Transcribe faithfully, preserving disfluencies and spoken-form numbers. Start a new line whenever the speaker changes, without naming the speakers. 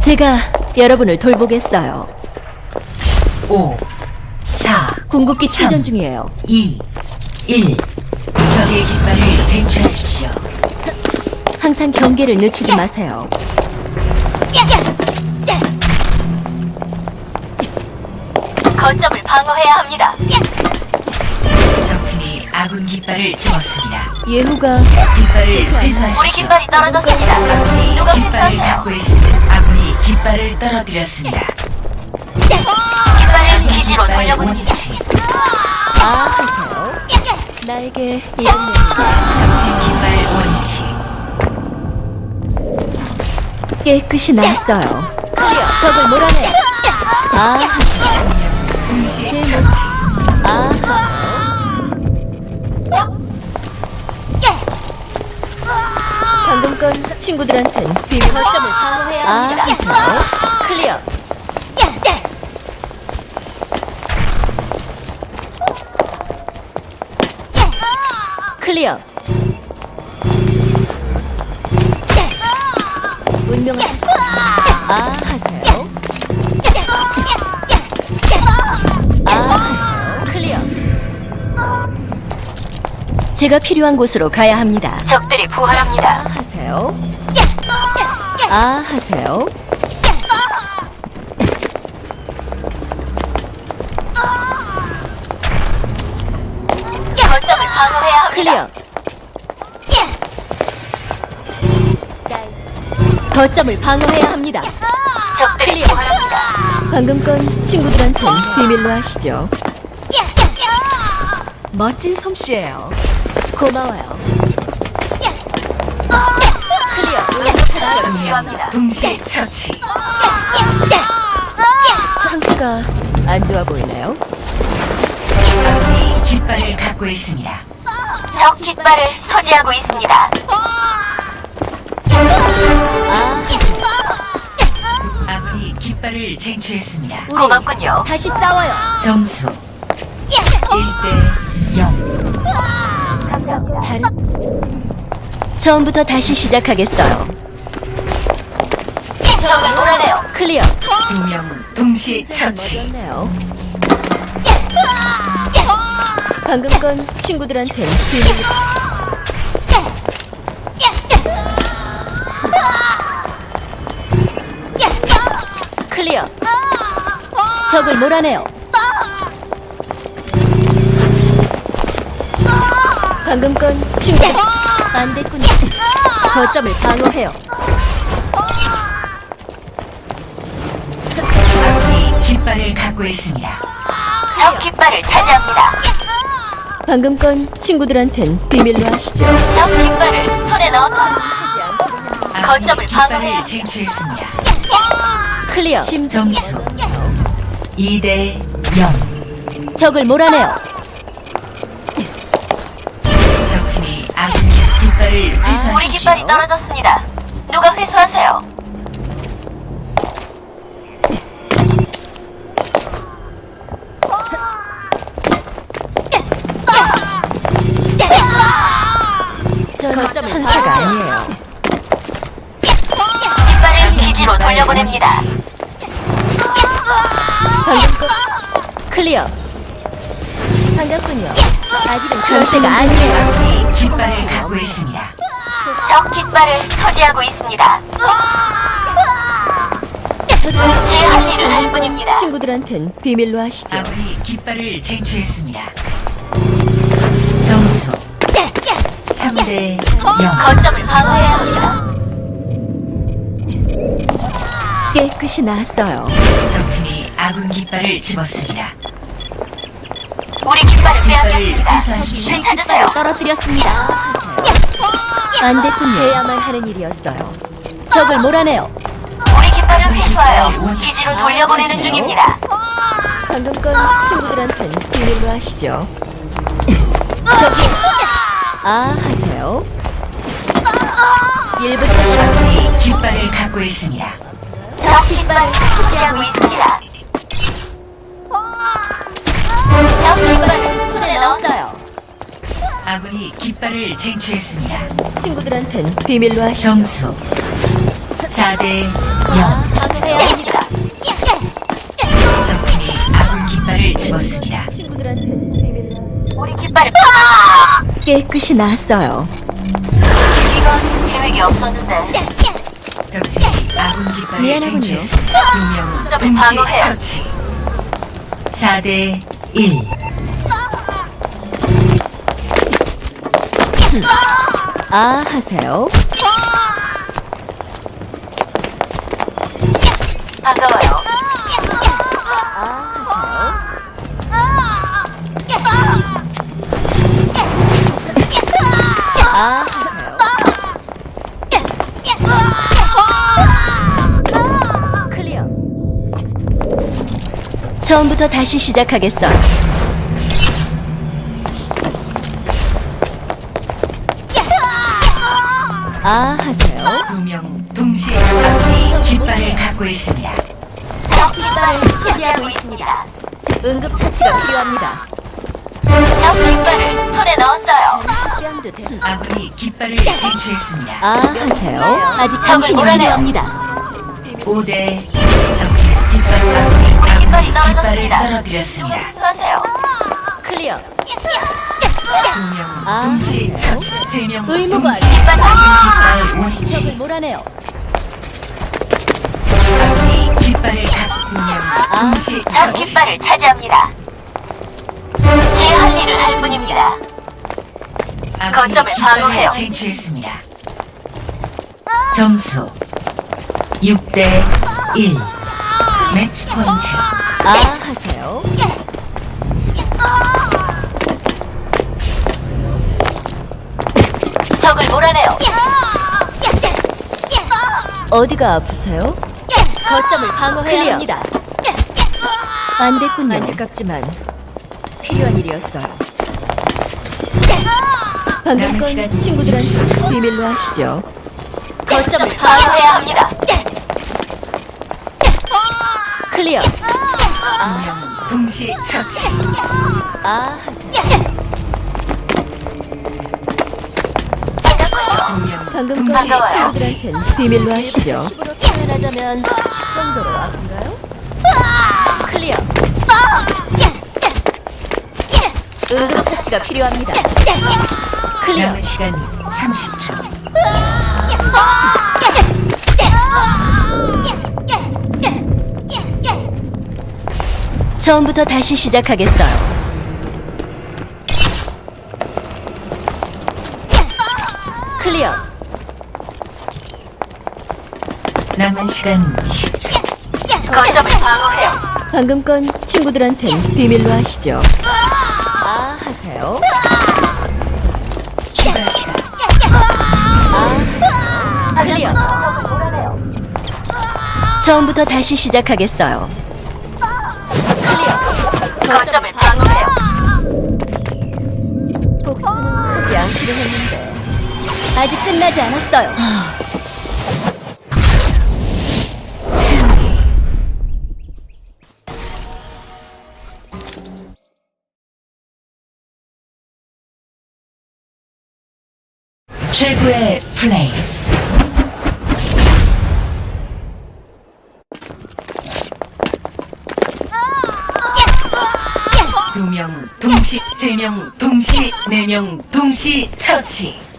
제가 여러분을 돌보겠어요.
오, 사,
궁극기
삼,
충전 중이에요.
이, 일. 적의 깃발을 쟁취하십시오.
항상 경계를 늦추지 마세요.
거점을 방어해야 합니다.
적팀이 아군 깃발을 집었습니다.
예후가
깃발을
우리
회수하십시오.
깃발이 떨어졌습니다.
적군이
누가
깃발을
회수하세요?
갖고 있습니다. 아군이 깃발을 떨어뜨렸습니다.
깃발을 기지로
깃발
돌려보냅니다.
원위치.
아 하세요. 나에게 이런 면이
적팀 깃발 원위치.
깨끗이 났어요. 클리어. 적을 몰아내. 아 하세요.
동시
제
처치.
아 하세요. 방금 건 친구들한텐 비밀 거점을 방어해야 합니다. 아 하세요. 클리어. 클리어. 운명을 하세요. 아 하세요. 아 하세요. 클리어. 제가 필요한 곳으로 가야 합니다.
적들이
아
부활합니다.
하세요. 아 하세요.
거점을 방어해야 합니다.
클리어. 거점을 방어해야 합니다.
적들이
클리어.
부활합니다.
방금 건 친구들한텐 비밀로 하시죠. 멋진 솜씨예요. 고마워요. 클리어.
차지가
운명
필요합니다.
동시 처치.
상태가 안 좋아 보이네요.
아군이 깃발을 갖고 있습니다.
적 깃발을 소지하고 있습니다.
아,
아군이 깃발을 쟁취했습니다.
우리
고맙군요.
다시 싸워요.
점수 일 대 영.
다른 처음부터 다시 시작하겠어요.
적을 몰아내요.
클리어.
두 명 동시 처치.
멋졌네요. 방금 건 친구들한텐 비밀. 클리어. 적을 몰아내요. 방금 건 친구. 안 됐군요. 거점을 방어해요.
아군이 깃발을 갖고 있습니다.
적 깃발을 차지합니다.
방금 건 친구들한텐 비밀로 하시죠.
적 깃발을 손에 넣었습니다.
아군이
거점을 방어해야
깃발을 쟁취했습니다.
클리어.
점수 이 대 영.
적을 몰아내요.
적팀이 아군이 깃발을
우리
회수하십시오.
깃발이 떨어졌습니다. 누가 회수하세요?
전 천사가 아니에요.
깃발을 기지로 돌려보냅니다.
방금 건 클리어. 반갑군요. 아직은 그럴 때가 아니에요.
아군이 깃발을 갖고 있습니다.
적 깃발을 소지하고 있습니다. 제 할 일을 할 뿐입니다.
친구들한텐 비밀로 하시죠.
아군이 깃발을 쟁취했습니다. 점수 삼 대 영.
거점을 방어해야 합니다.
깨끗이 나았어요.
적팀이 아군 깃발을 집었습니다.
우리 깃발을
깃발을
빼앗겼습니다.
회수하십시오.
되찾으세요.
떨어뜨렸습니다. 하세요. 안 됐군요. 해야만 하는 일이었어요. 적을 몰아내요.
우리 깃발을 회수하여 기지로 돌려보내는 중입니다.
방금 건 친구들한텐 비밀로 하시죠. 저기 아 하세요. 일부터 시작.
아군이 깃발을 갖고 있습니다.
적 깃발을 소지하고 있습니다. 적 깃발을 손에 넣었어요.
아군이 깃발을 쟁취했습니다.
친구들한텐 비밀로 하시죠.
점수 사 대 영.
아, 하세요. 방어해야 합니다.
적팀이 아군 깃발을 집었습니다.
친구들한테 비밀로.
우리 깃발을
깨끗이 나았어요.
이건 계획이 없었는데.
적팀이 아군 깃발을
미안하군요.
쟁취했습니다. 두명
점을
동시
방어해요.
처치. 사 대 일.
아 하세요.
반가워요.
아 하세요. 클리어. 처음부터 다시 시작하겠어. 아 하세요.
두명 동시 아군이 깃발을 갖고 있습니다.
깃발을 소지하고 있습니다. 응급 처치가 필요합니다.
적 깃발을 손에 넣었어요.
식량도 됐.
아군이 깃발을 쟁취했습니다.
아 하세요. 아직
적을
당신이
몰아내요.
필요합니다.
오 대 적팀 깃발 아군이
깃발이
아군이 깃발을
떨어졌습니다.
떨어뜨렸습니다.
수하세요.
클리어.
두명
아,
동시 처치. 세명
의무관.
동시 아군 깃발 원위치.
적을 몰아내요.
아군이 깃발을 갖고 두명 동시
적
처치.
깃발을 차지합니다. 제 할 일을 할 뿐입니다.
아군이
거점을
깃발을
방어해요.
쟁취했습니다. 점수 육 대 일. 매치 포인트.
아 하세요.
적을 몰아내요.
어디가 아프세요? 거점을 방어해야 합니다. 안 됐군요. 안타깝지만 필요한 일이었어요. 방금
남은
건
시간
친구들한테 비밀로 하시죠. 거점을
방어해야 합니다.
클리어.
두명 동시 처치.
아 하세요.
두명
방금 건
동시
반가워요.
처치.
친구들한텐 비밀로 하시죠. 십으로 표현하자면 십 정도로 아픈가요? 클리어. 응급 터치가 필요합니다. 클리어.
남은 시간 삼십 초.
처음부터 다시 시작하겠어요. 클리어.
남은 시간 십 초.
거점을 방어해요.
방금 건 친구들한텐 비밀로 하시죠. 아 하세요.
추가 시간.
아 클리어.
적을 몰아내요.
처음부터 다시 시작하겠어요.
거점을 방어해요.
복수는 하지 않기로 했는데 아직 끝나지 않았어요.
승리. 최고의 플레이. 두 명 동시, 세 명 동시, 네 명 동시 처치.